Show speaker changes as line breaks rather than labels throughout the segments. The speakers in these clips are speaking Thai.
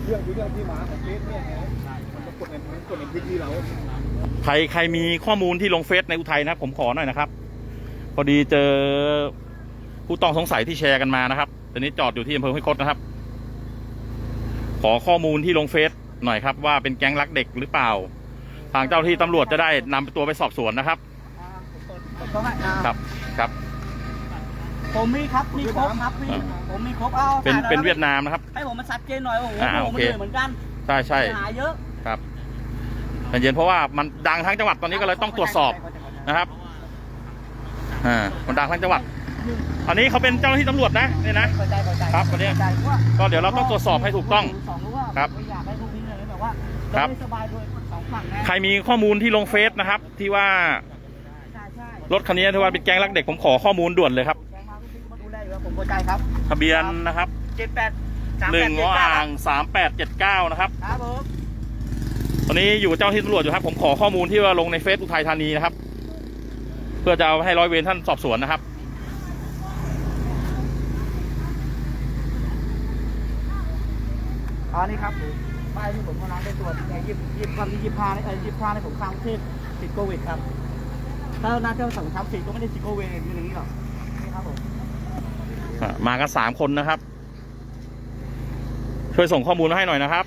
รื่องที่มาของเฟซเนี่ยมันจะกดในพื้นที่เรา
ใครมีข้อมูลที่ลงเฟซในอุทัยนะผมขอหน่อยนะครับพอดีเจอผู้ต้องสงสัยที่แชร์กันมานะครับตอนนี้จอดอยู่ที่อำเภอห้วยคดนะครับขอข้อมูลที่ลงเฟซหน่อยครับว่าเป็นแก๊งลักเด็กหรือเปล่าทางเจ้าที่ตำรวจจะได้นำตัวไปสอบสวนนะครับครับ
ผมมีครับมีครบครับผมมีครบ
เป็นเวียดนามนะครับ
ให้ผมมาชัดเจนหน่อยว่าผมมันเหมือนกัน
ใช่
หาเยอะ
ครับแต่เย็นเพราะว่ามันดังทั้งจังหวัดตอนนี้ก็เลยต้องตรวจสอบนะครับมันดังทั้งจังหวัดอันนี้เขาเป็นเจ้าหน้าที่ตำรวจนะนี่นะครับวันนี้ก็เดี๋ยวเราต้องตรวจสอบให้ถูกต้องครับใครมีข้อมูลที่ลงเฟซนะครับที่ว่ารถคันนี้ที่ว่าเป็นแก๊งลักเด็กผมขอข้อมูลด่วนเลยครับทะเบียนนะครับ1 อ่าง 3879นะครับตอนนี้อยู่เจ้าที่ตำรวจอยู่ครับผมขอข้อมูลที่ว่าลงในเฟซอุทัยธานีนะครับเพื่อจะเอาให้ร้อยเวรท่านสอบสวนนะครับ
นี่ครับป้ายที่ผมกำลังไปตรวจ25ในผมข้างที่ติดโควิดครับถ้าน่าจะสั่งทำสิก็ไม่ได้ติดโควิดอย่างนี้หรอกนี่ครับผม
มากัน3 คนนะครับช่วยส่งข้อมูลมาให้หน่อยนะครับ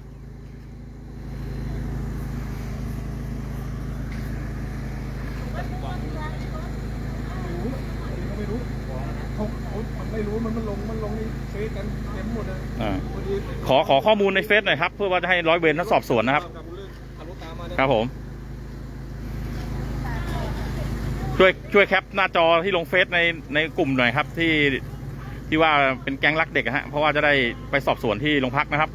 มันลงในเฟซกันเต็มหมดเลย
ขอข้อมูลในเฟซหน่อยครับเพื่อว่าจะให้ร้อยเวรท่านสอบสวนนะครับครับผมช่วยแคปหน้าจอที่ลงเฟซในกลุ่มหน่อยครับที่ว่าเป็นแก๊งลักเด็กฮะเพราะว่าจะได้ไปสอบสวนที่โรงพักนะครับ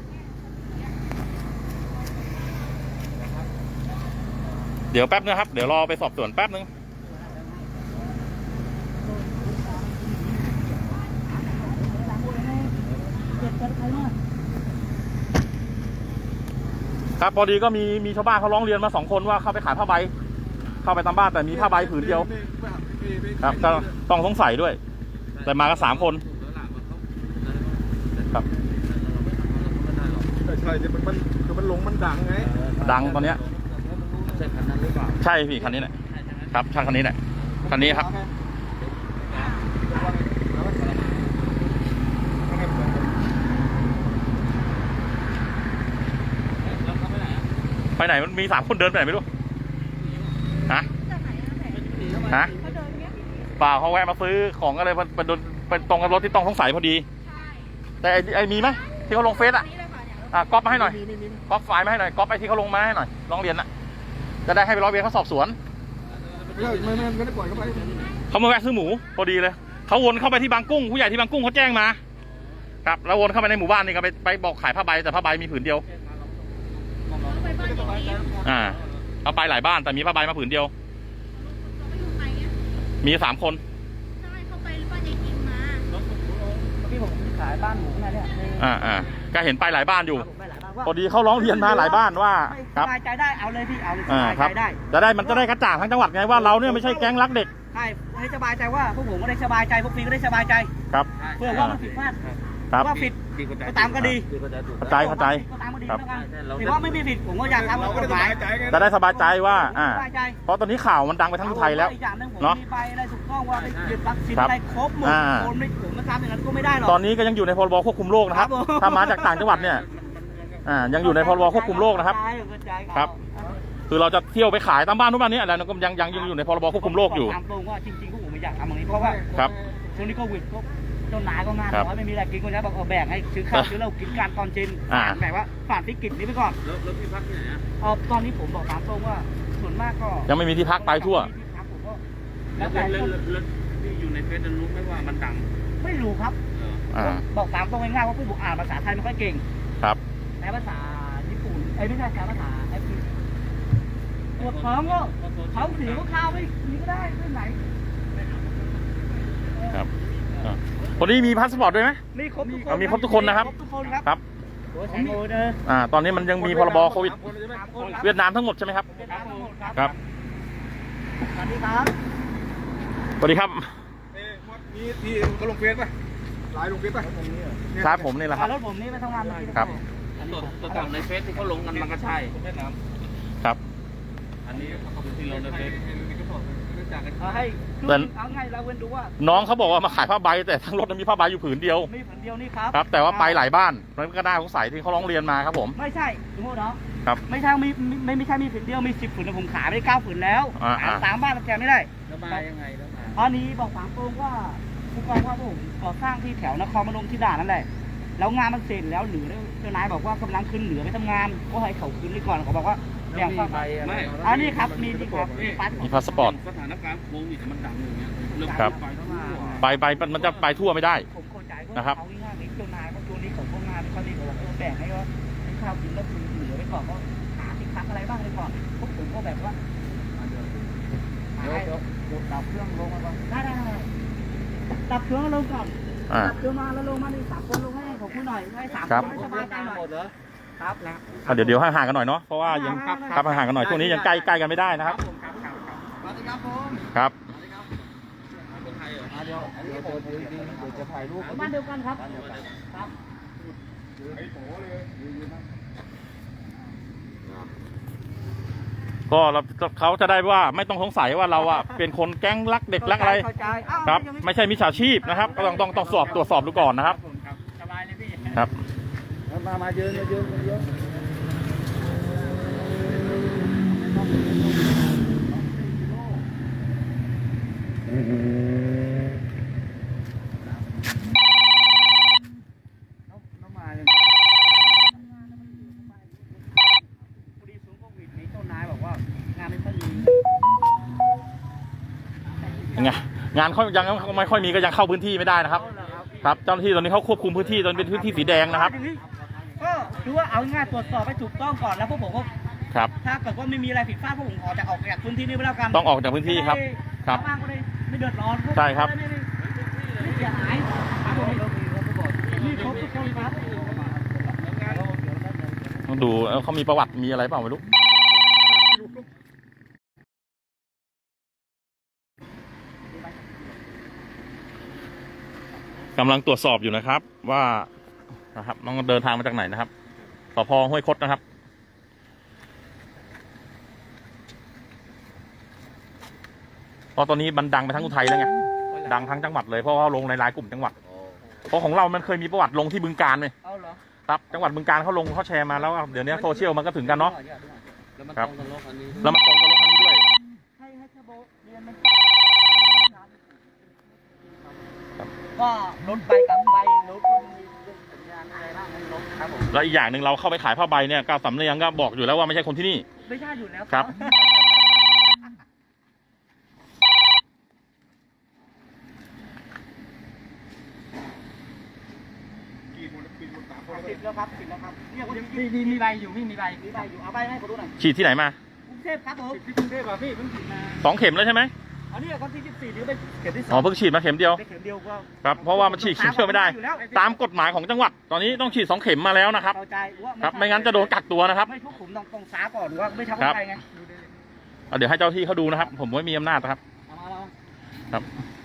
เดี๋ยวแป๊บนึงครับเดี๋ยวรอไปสอบสวนแป๊บนึงครับพอดีก็มีชาวบ้านเขาร้องเรียนมา2 คนว่าเข้าไปขายผ้าใบเข้าไปตามบ้านแต่มีผ้าใบผืนเดียวครับก็ต้องสงสัยด้วยแต่มากัน3 คนครับ
ใช่มันลงมันดังไง
ดังตอนเนี้ย
ใช่คันนั้นหรือเปล่า
ใช่พี่คันนี้แหละครับใช่คันนี้แหละคันนี้ครับไปไหนมันมี3 คนเดินไปไหนไม่รู้ฮะเปล่าเขาแวะมาซื้อของอะไรเป็นตรงกับรถที่ต้องสงสัยพอดีแต่ไอ้มีไหมที่เขาลงเฟซก๊อปมาให้หน่อยก๊อปไฟล์มาให้หน่อยก๊อปไอ้ที่เขาลงมาให้หน่อยร้องเรียนนะจะได้ให้ไปร้อยเวรเขาสอบสวน
ไม่ได้ปล่อยเขาไป
เขามาแวะซื้อหมูพอดีเลยเขาวนเข้าไปที่บางกุ้งผู้ใหญ่ที่บางกุ้งเขาแจ้งมาครับแล้ววนเข้าไปในหมู่บ้านนี่ก็ไปบอกขายผ้าใบแต่ผ้าใบมีผืนเดียวเอาไปหลายบ้านแต่มีผ้าใบมาผืนเดียวมี3 คน
ใช่เขาไปบ้านยายกิมมา
ที่ผมขายบ้านหมูนะเนี่ย
ก็เห็นไปหลายบ้านอยู่พอดีเขาร้องเรียนมาหลายบ้านว่า
สบายใจได้เอาเลยพี่เอาเลยสบายใจ
ได้มันจะได้กระจ่างทั้งจังหวัดไงว่าเราเนี่ยไม่ใช่แก๊งลักเด็ก
ใช่ให้สบายใจว่าพวกผมก็ได้สบายใจพวกพี่ก็ได้สบายใจ
ครับ
เพื่อว่ามันผิดพลาดว่าผิดก็ตามก็ดี
เข้าใจก็
ตามก็ดีแล้วกันถือว่าไม่มีผิดผมก็อยากทำกฎหมาย
จะได้สบายใจว่าเพราะตอนนี้ข่าวมันดังไปทั้งไทยแล้ว
เนาะมีใบอะไรถูกต้องว่าไปยึดวัคซีนอะไรครบหมดคนไม่ผมมาทำอย่างนั้นก็ไม่ได้หรอก
ตอนนี้ก็ยังอยู่ในพรบควบคุมโรคนะครับถ้ามาจากต่างจังหวัดเนี่ยยังอยู่ในพรบควบคุมโรคนะครับครับคือเราจะเที่ยวไปขายตามบ้านทุกบ้านนี้อะไรก็ยังอยู่ในพรบควบคุมโรคอยู่
ตามตรงว่าจริงๆพวกผมไม่อยากทำอย่างนี้เพราะว่า
ครับ
ช่วงนี้โควิดเจ้านายก็งานน้อยไม่มีอะไรกินก็จะบอกแบ่งให้ซื้อข้าวซื้อเหล้ากินการตอนเย็นแบบว่าผ่านวิกฤตนี้ไปก่อน
แล้วที่พักที่ไหน
ตอนนี้ผมบอกตามตรงว่าส่วนมากก็
ยังไม่มีที่พักไปทั่ว
แล้วที่อยู่ในเฟซรู้ไหมว่ามันดัง
ไม่รู้ครับบอกตามตรงง่ายๆว่าพี่บุกอ่านภาษาไทยไม่ค่อยเก่ง
ครับ
แต่ภาษาญี่ปุ่นไม่ใช่ภาษาไอ้ที่ปวดท้องก็ท้องเสียก็ข้าวไม่นี่ก็ได้ไม่ไหน
ครับคนนี้มีพาสปอร์ตด้วยไหม
มีครบ
ทุกคนนะครับครับตอนนี้มันยังมีพรบโควิดเวียดนามทั้งหมดใช่ไหมครับครับ
สวัสดีครับ
สวัสดีครับ
มีที่เขาลงเฟซป่ะไลน์ลงเฟซป่ะ
ครับผมนี่แหละครับ
รถผมนี่ไปทำงาน
ครับ
ตัวต่างในเฟซที่เขาลงกันมันก็ใช่
ครับ
อันนี้ที่เราในเฟซ
เอาให้คือ
แต่
เอาไงเราเว้นดูว่า
น้องเขาบอกว่ามาขายผ้าใบแต่ทั้งรถมีผ้าใบอยู่ผืนเดียว
มีผืนเดียวนี่ครับ
ครับ แต่ว่าไปหลายบ้านมันก็น่าสงสัยที่เขาร้องเรียนมาครับผม
ไม่ใช่สมมติเนาะ
ครับ
ไม่ใช่ไม่ใช่มีผืนเดียวมี10ผืนแต่ผมขายไปได้9ผืนแล้ว
อ่า
สามบ้านมันแกไม่ได้
ระบายยังไงระบาย
อันนี้บอกฝางโปรงว่าผู้กองว่าผมก่อสร้างที่แถวนครพนมที่ด่านนั่นแหละแล้วงานมันเสร็จแล้วเหลือเจ้านายบอกว่ากำลังขึ้นเหลือไปทำงานก็ให้เขาขึ้นไปก่อนเขาบอกว่าแบ่งฝั่ง
ไม่
อันนี้ครับมีนี่ครับมีปัส
มีพาสปอร์ต
สถานการณ์โควิดมันดังอย่างเงี้ยเรื่อง
ครับ
ไปทั่ว
ไปมันจะไปทั่วไม่ได้
ผมเข้าใจว่า
นะครับ
เขาง่ายๆนี้เจ้านายเขาช่วงนี้เขาก็งานเขาดีเขาบอกแบ่งให้ว่าให้ข้าวกินแล้วคุณเหลือไว้ก่อนก็หาสินค้าอะไรบ้างเลยก่อนพวกผมก็แบบว่าเดี๋ยวดับเครื่องลงมาก่อนได้ดับเครื่องลงก่อน
อ่า
ดับเครื่องมาแล้วลงมาใน3 คนลงให้ผมคุยหน่อยให้3
ครับ
คนให้สบายใจหน่อยครับนะ
เดี๋ยวห่างๆกันหน่อยเนาะเพราะว่ายังครับห่างๆกันหน่อยช่วงนี้ยังใกล้กันไม่ได้นะครับ
สวัสดีครับผม
ครับ
เดี๋ยวอันนี้ผมเดี๋ยวจะถ่ายรูปบ้านเดียวกันครับครับ
ก็เขาจะได้ว่าไม่ต้องสงสัยว่าเราอะเป็นคนแก๊งลักเด็กลักอะไร
เข้าใจอ้าว
ครับ ไม่ใช่มิจฉาชีพนะครับก็ต้องตรวจสอบดูก่อนนะครับ
สบายเลยพี่
ครับ
มาเยอะน้ำมาเลยพอดีศูนย์โควิดนี้เจ้านายบอกว่างานไม่ค่อยมี
งานเขายังไม่ค่อยมีก็ยังเข้าพื้นที่ไม่ได้นะครับ ครับเจ้าหน้าที่ตอนนี้เขาควบคุมพื้นที่ตอนเป็นพื้นที่สีแดงนะครับ
ก็คือว่าเอาง่ายๆตรวจสอบให้ถูกต้องก่อนแล้วพวกผมก็
ครับ
ถ้าเกิดว่าไม่มีอะไรผิดพลาดพวกผมขอจะออกจากพื้นที่นี้ไปแล้วกัน
ต้องออกจากพื้นที่ครับครับ
ชาวบ้านก็ได้ไม่เดือดร้อน
ใช่ครับ
ไม่เสียหายครับผมนี่ครบทุกคนครับ
ต้องดูเขามีประวัติมีอะไรเปล่าไม่รู้กำลังตรวจสอบอยู่นะครับว่านะครับน้องเดินทางมาจากไหนนะครับสพ.ห้วยคดนะครับเพราะตอนนี้มันดังไปทั้งอุทัยแล้วไงดังทั้งจังหวัดเลยเพราะว่าลงในรายกลุ่มจังหวัดเพราะของเรามันเคยมีประวัติลงที่บึงกาฬเลย
เอาเหรอ
ครับจังหวัดบึงกาฬเขาลงเขาแชร์มาแล้วเดี๋ยวนี้โซเชียลมันก็ถึงกันเนาะ
แล้วมัน
ค
ต
รั
ร
บ
งกับรถคันนี้
แล้วมันตรงกับรถคันนี้ด้วย
ให้เทอร์โบเรียนมันก็รถใบกับใบรถก็มีสัญญาณอะไรบ้างรถครับผม
แล้วอีกอย่างหนึ่งเราเข้าไปขายผ้าใบเนี่ยก้าวสำเนียงก็บอกอยู่แล้วว่าไม่ใช่คนที่นี่
ไม่ใช่อยู่แล้ว
ครับ
ติดแล้วครับเนี่ยมีใบอยู่มีใบอยู่เอาใบให้เขาดูหน่อย
ฉีดที่ไหนมาก
รุงเทพครับผมที่กรุงเทพพี่เพิ่งฉีดมา
2 เข็มแล้วใช่ไหม
อันนี้คนที่14หรือเป็นเข็มที่2
อ๋อเพิ่งฉีดมาเข็มเดียว
ได้เข็มเดียวก็
ครับเพราะว่ามันฉีดเข็มเดียวไม่ได้ ตามกฎหมายของจังหวัด ตอนนี้ต้องฉีด2 เข็มมาแล้วนะครับ
เข้าใจว่า
ครับไม่งั้นจะโดนกักตัวนะครับ
ไม่ทุกผมต้องสาก่อนว่าไม่ทำ
ครับ
อะไรไง
เดี๋ยวให้เจ้าที่เขาดูนะครับ ผมไม่มีอำนาจนะครับ
เอามา
ครับ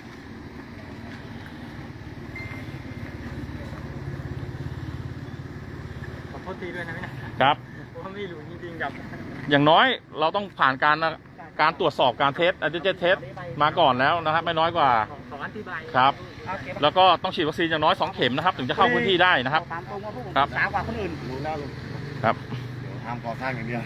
ขอโทษทีด้วยนะพี่นะ
ครับ
ผมไม่รู้จริงๆกับ
อย่างน้อยเราต้องผ่านการตรวจสอบการเทสอันเจเทสมาก่อนแล้วนะครับ ไม่น้อยกว่า
ขออธิบาย
ครับ
เอาเก็บ
แล้วก็ต้องฉีดวัคซีนอย่างน้อย2 เข็มนะครับ ถึงจะเข้าพื้นที่ได้นะครับ
ตามตรงว่าพวกผม
ครับ
สากว่าคนอื่น
รู้แล้วลุง
ครับ
เดี๋ยวทำก่อสร้างอย่างเดียว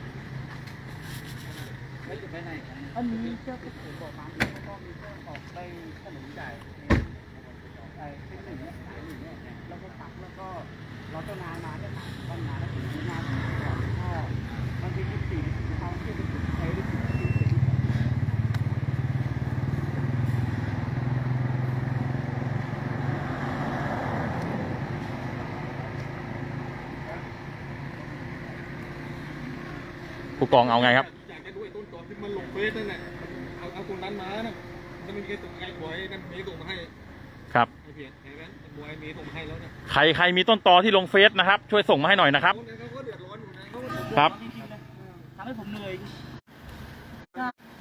อันนี้เจ้าก็ถือบอกตามที่ก็มีเจ้าออกไปขนมจ่ายเป็นหนึ่งเนี่ยขายหนึ่งเนี่ยแล้วก็ตักแล้วก็เราเจ้านายมาจะตักวันมาแล้วถึงงานก็บางที24เขาที่ไปถึงใช้ได้ถึง
ผู้กองเอาไงครับ
อยากจะดูไอ้ต้นตอที่มันลงเฟซนั่นแหละเอาคนนั้นมานะมันไม่มีใครส่งไอ้บอยนั่นเมย์ส่งมาให้
ครับ
ไอ้เพียรเห็นไหมไอ้บอยเมย์ส่งมาให้แล้วเนี่ย
ใครมีต้นตอที่ลงเฟซนะครับ ช่วยส่งมาให้หน่อยนะครับ
เขาก็เดือดร้อนอยู่นะเขาก็
ครับ
จริงๆนะทำให้ผมเหนื่อย